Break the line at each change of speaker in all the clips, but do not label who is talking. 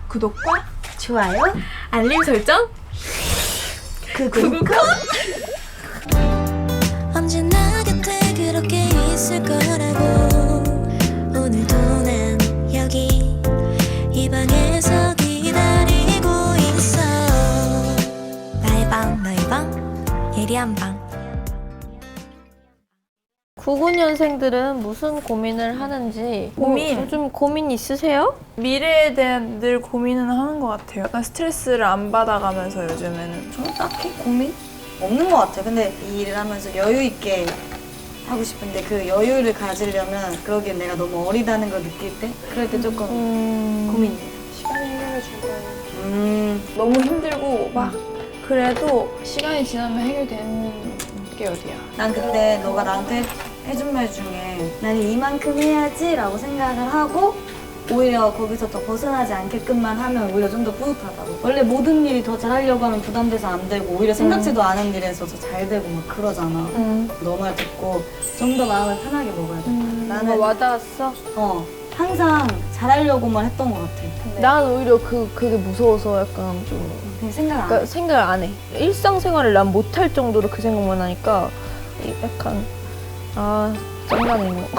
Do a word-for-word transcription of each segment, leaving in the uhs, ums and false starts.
구독과
좋아요,
알림 설정
구독.
언제나 곁에 그렇게 있을 거라고. 오늘도 난 여기 이 방에서 기다리고 있어. 나의 방 너의 방 예리한 방.
구십구 년생들은 무슨 고민을 하는지
고민?
뭐 요즘 고민 있으세요?
미래에 대한 늘 고민은 하는 것 같아요. 약간 스트레스를 안 받아가면서 요즘에는
저는 딱히 고민 없는 것 같아요. 근데 이 일을 하면서 여유 있게 하고 싶은데 그 여유를 가지려면 그러기엔 내가 너무 어리다는 걸 느낄 때 그럴 때 조금
음...
고민입니다.
시간이 해결해 줄 거예요.
음,
너무 힘들고 막 그래도 시간이 지나면 해결되는 게 어디야.
난 그때 너가 나한테 해준 말 중에 나는 이만큼 해야지 라고 생각을 하고 오히려 거기서 더 벗어나지 않게끔만 하면 오히려 좀 더 뿌듯하다고. 원래 모든 일이 더 잘하려고 하면 부담돼서 안 되고 오히려 생각지도 않은 일에서 더 잘 되고 막 그러잖아.
음.
너 말 듣고 좀 더 마음을 편하게 먹어야 돼.
음...
나는
뭐 와닿았어?
어 항상 잘하려고만 했던 것 같아. 근데
난 오히려 그, 그게 무서워서 약간 좀
그냥 생각 안 해.
그러니까 생각을 안 해. 일상생활을 난 못할 정도로 그 생각만 하니까 이- 약간 아 짱나네 뭐.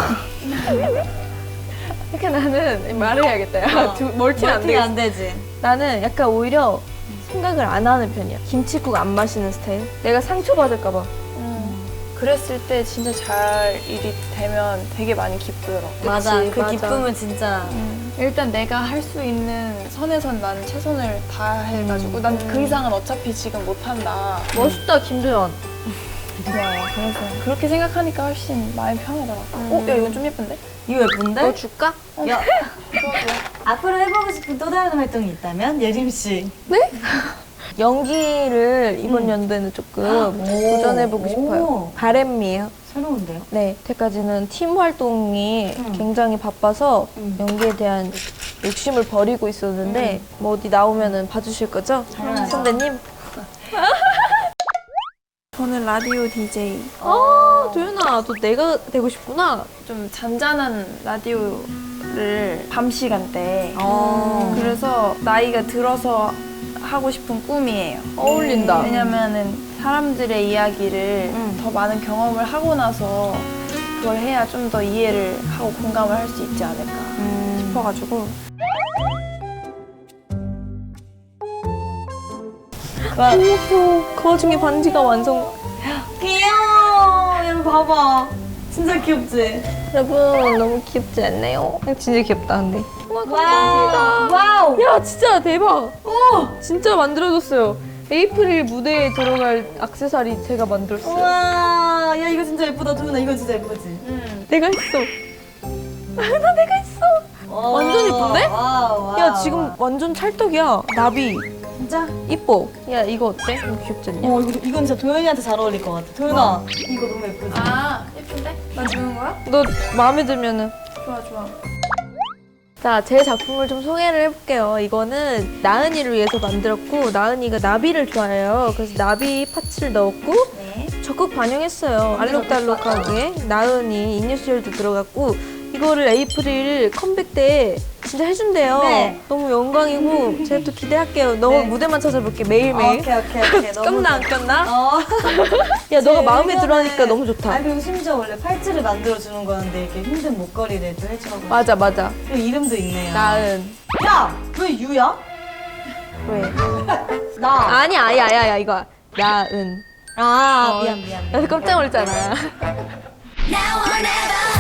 이렇게 나는 말을 해야겠다. 야,
어,
두- 멀티는 안
멀티가
되겠어.
안 되지.
나는 약간 오히려 생각을 안 하는 편이야. 김치국 안 마시는 스타일. 내가 상처받을까 봐.
음. 그랬을 때 진짜 잘 일이 되면 되게 많이 기쁘더라고.
맞아.
그치,
그
맞아.
기쁨은 진짜
음, 일단 내가 할 수 있는 선에선 난 최선을 다해가지고 난 그 이상은 어차피 지금 못한다.
멋있다 김도연.
고마워. 그래서 그렇게 생각하니까 훨씬 마음이 편하더라고. 어? 야 이건 좀 예쁜데?
이거 예쁜데?
너 줄까?
야, 앞으로 해보고 싶은 또 다른 활동이 있다면 예림 씨.
연기를 이번
음.
연도에는 조금
오.
도전해보고 싶어요.
오.
바램이에요.
새로운데요?
네, 여태까지는 팀 활동이
음.
굉장히 바빠서
음.
연기에 대한 욕심을 버리고 있었는데 뭐 어디 나오면은 봐주실 거죠?
당연하죠.
선배님?
저는 라디오 디제이.
아, 도연아, 너 내가 되고 싶구나.
좀 잔잔한 라디오를 밤 시간대.
어.
그래서 나이가 들어서 하고 싶은 꿈이에요.
어울린다.
왜냐면은 사람들의 이야기를
음.
더 많은 경험을 하고 나서 그걸 해야 좀 더 이해를 하고 공감을 할 수 있지 않을까
음.
싶어가지고.
와,
귀여워. 그 와중에 반지가 완성.
귀여워. 여러분 봐봐. 진짜 귀엽지?
여러분, 너무 귀엽지 않나요? 진짜 귀엽다, 근데. 우와,
와우.
감사합니다.
와우.
야, 진짜 대박. 오! 진짜 만들어줬어요. 에이프릴 무대에 들어갈 액세서리 제가 만들었어요.
우와. 야 이거 진짜 예쁘다. 도윤아 이거 진짜 예쁘지?
음.
내가 했어. 나 내가 했어. 완전 예쁜데?
와우, 와우,
야, 지금
와우.
완전 찰떡이야. 나비.
진짜?
이뻐. 야, 이거 어때? 너무 귀엽지 않냐?
어 이거, 이건 진짜 도현이한테 잘 어울릴 것 같아. 도현아 이거 너무 예쁘지?
아 예쁜데? 나 주는 거야?
너 마음에 들면은.
좋아 좋아.
자, 제 작품을 좀 소개를 해볼게요. 이거는 나은이를 위해서 만들었고, 나은이가 나비를 좋아해요. 그래서 나비 파츠를 넣었고,
네.
적극 반영했어요. 알록달록하게. 나은이 이니셜도 들어갔고, 이거를 에이프릴 컴백 때 진짜 해준대요.
네.
너무 영광이고, 제가 또 기대할게요. 너
네.
무대만 찾아볼게,
어,
매일매일.
오케이 오케이 오케이. 너무
꼈나, 안
좋아.
꼈나?
어.
야, 너가
제
마음에
의견은-
들어 하니까 너무 좋다.
아 그리고 심지어 원래 팔찌를 만들어주는 거였는데 이렇게 힘든 목걸이를 또 해주라고.
맞아, 맞아.
그리고 이름도 있네요.
나은.
야! 왜 유야?
왜?
나.
아니, 아야, 아야, 야, 이거. 나은.
아
어.
미안 미안.
나 깜짝 놀랐잖아.
Now or never.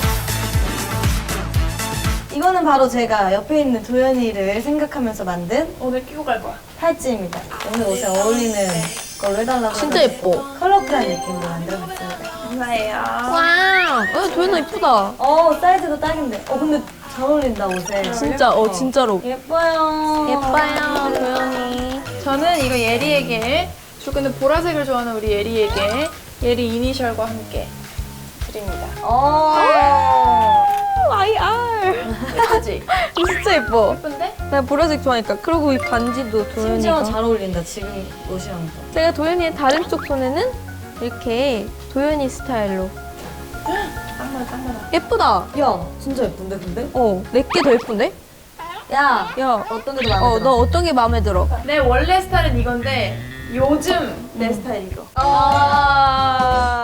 이거는 바로 제가 옆에 있는 도현이를 생각하면서 만든
오늘 끼고 갈 거야.
팔찌입니다. 오늘 옷에 어울리는 걸로 해달라고.
진짜
해가지고
예뻐.
컬러풀한 느낌으로 만들어봤습니다.
감사해요.
와, 어, 도현아 이쁘다.
어 사이즈도 딱인데. 어 근데 잘 어울린다 옷에.
진짜, 어, 진짜로.
예뻐요.
예뻐요, 도현이.
저는 이거 예리에게 저 근데 보라색을 좋아하는 우리 예리에게 예리 이니셜과 함께 드립니다.
어.
아이알.
예쁘지?
진짜 예뻐.
예쁜데?
나 보라색 좋아하니까. 그리고 이 반지도
심지어
도현이가.
잘 어울린다 지금 옷이랑도.
제가 도현이의 다른 쪽 손에는 이렇게 도현이 스타일로.
짱나 짱나.
예쁘다.
야 진짜 예쁜데 근데?
어, 내게 더 예쁜데?
야,
야,
어떤 게 더 마음에
어,
들어?
너 어떤 게 마음에 들어?
내 원래 스타일은 이건데 요즘 내 스타일 이거.
아.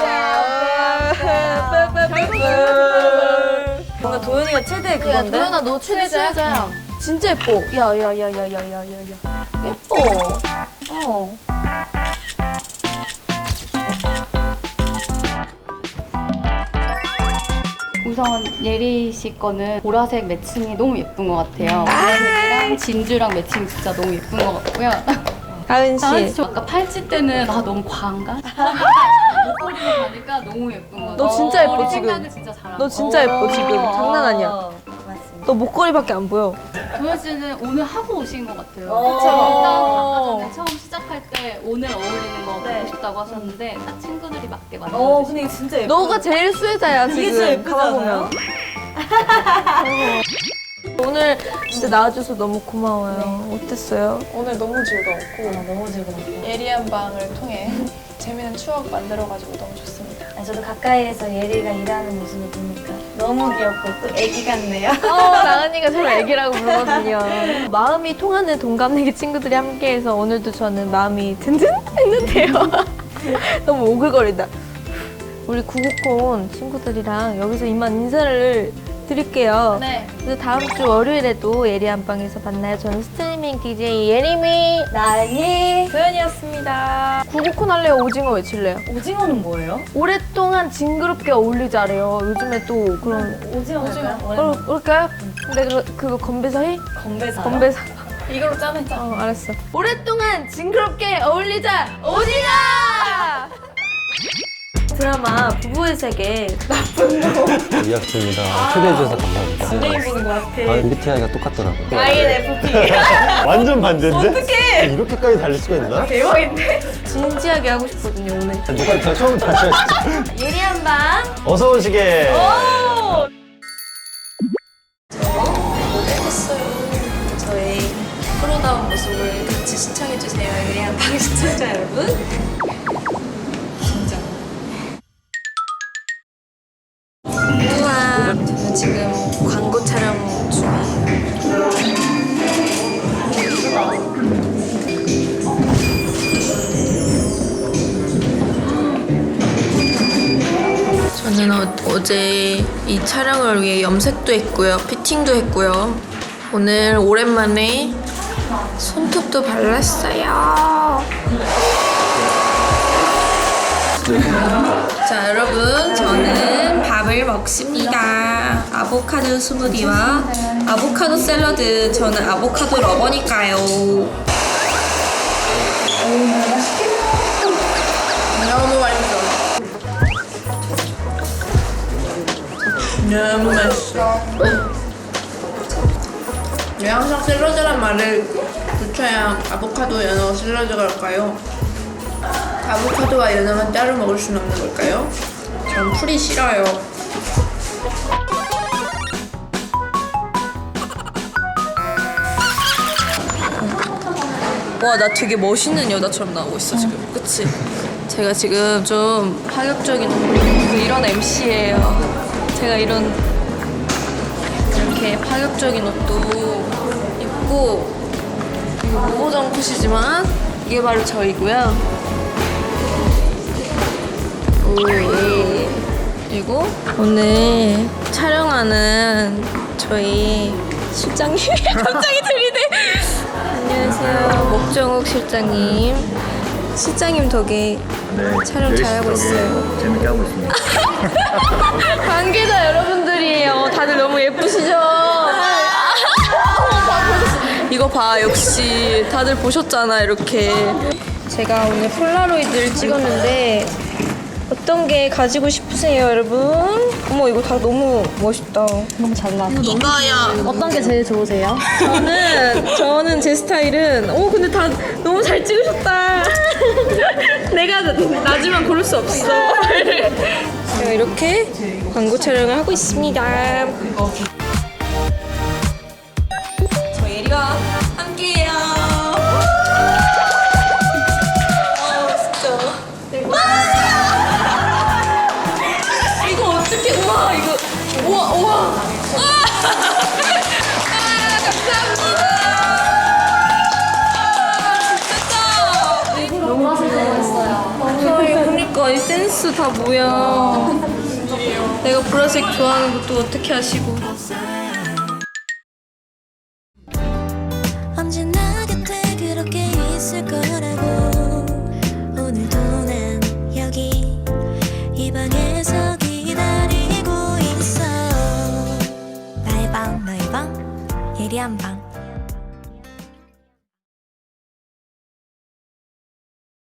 뭔가 도현이가 최대 그건데?
도현아, 너 최대자야. 진짜 예뻐. 야, 야, 야, 야, 야, 야, 야, 야. 예뻐. 어.
우선 예리 씨 거는 보라색 매칭이 너무 예쁜 것 같아요. 보라색이랑 진주랑 매칭 진짜 너무 예쁜 것 같고요.
다은
다은
씨.
씨 아까 팔찌 때는 아 너무 과한가? 목걸이로 가니까 너무 예쁜 것 같아요.
너 진짜 예뻐,
머리
지금.
생각을 진짜 잘한다.
너 진짜 예뻐, 지금. 장난 아니야.
어, 맞습니다.
너 목걸이밖에 안 보여.
도현 씨는 오늘 하고 오신 것 같아요.
어.
그쵸? 일단 아까 전에 처음 시작할 때 오늘 어울리는 거
네.
보고 싶다고 하셨는데 딱 친구들이 맞게
어,
만들어주신
근데 이거 진짜 예뻐.
너가 제일 수혜자야,
이게
지금.
진짜 예쁘지 않아요?
오늘 진짜 나와줘서 너무 고마워요. 어땠어요?
오늘 너무 즐거웠고
어, 너무 즐거웠어요.
예리한 방을 통해 재미있는 추억 만들어가지고 너무 좋습니다.
아니, 저도 가까이에서 예리가 일하는 모습을 보니까 너무 귀엽고 또 애기 같네요.
어, 나은이가 저를 애기라고 부르거든요. 마음이 통하는 동갑내기 친구들이 함께해서 오늘도 저는 마음이 든든했는데요. 너무 오글거린다. 우리 구구콘 친구들이랑 여기서 이만 인사를 드릴게요.
네.
그래서 다음 주 월요일에도 예리 안방에서 만나요. 저는 스트리밍 디제이 예리미
나은이.
도현이었습니다.
구구콘 할래요? 오징어 외칠래요?
오징어는 뭐예요?
오랫동안 징그럽게 어울리자래요. 요즘에 또 그런
오징어 할까요?
어, 그럴까요? 근데 그, 그거 건배사히?
건배사.
건배사.
이걸로 짜내자.
어, 알았어. 오랫동안 징그럽게 어울리자 오징어! 드라마 부부의 세계
이학주입니다. 초대해주셔서 감사합니다.
연예인분인 것 같아.
아, 엠비티아이가 똑같더라고요.
아이엔에프피.
완전 반대인데? 어떡해! 이렇게까지 달릴 수가 있나?
진지하게 하고 싶거든요 오늘.
누가 다 처음 다시 하시죠.
예리한 방.
어서 오시게.
저의 프로다운 모습을 같이 시청해주세요. 예리한 방 시청자 여러분. 우와, 저는 지금 광고 촬영 중이에요. 저는 어, 어제 이 촬영을 위해 염색도 했고요, 피팅도 했고요. 오늘 오랜만에 손톱도 발랐어요. 자, 여러분, 저는 밥을 먹습니다. 아보카도 스무디와 아보카도 샐러드. 저는 아보카도 러버니까요. 너무 맛있어. 너무 맛있어. 왜 항상 샐러드란 말을 붙여야 아보카도, 연어, 샐러드가 올까요? 아보카도와 연어만 따로 먹을 수는 없는 걸까요? 전 풀이 싫어요. 와, 나 되게 멋있는 여자처럼 나오고 있어 지금. 그치? 제가 지금 좀 파격적인 그 이런 엠씨예요. 제가 이런 이렇게 파격적인 옷도 입고, 이거 무보정 컷이지만 이게 바로 저이고요. 오, 예. 그리고 오늘 촬영하는 저희 실장님이 갑자기 들이대. 안녕하세요, 목정욱 실장님. 실장님 덕에 촬영 잘하고 있어요.
재밌게 하고 있습니다.
관계자 여러분들이에요. 다들 너무 예쁘시죠? 이거 봐, 역시 다들 보셨잖아, 이렇게. 제가 오늘 폴라로이드를 찍었는데 어떤 게 가지고 싶으세요, 여러분? 어머, 이거 다 너무 멋있다.
너무 잘 나왔어.
이거야.
어떤 게 제일 좋으세요?
저는 저는 제 스타일은, 오, 근데 다 너무 잘 찍으셨다. 내가 나지만 고를 수 없어. 제가 이렇게 광고 촬영을 하고 있습니다. 저 예리와 함께해요. 아, 진짜. 와! 이거 어떻게? 우와, 이거 우와, 우와. 아, 감사합니다. 센스 다 뭐야. 내가 보라색 좋아하는 것도 어떻게 아시고.
언제나 곁에 그렇게 있을 거라고 오늘도 난 여기 이 방에서 기다리고 있어 나의 방 너의 방 예리한 방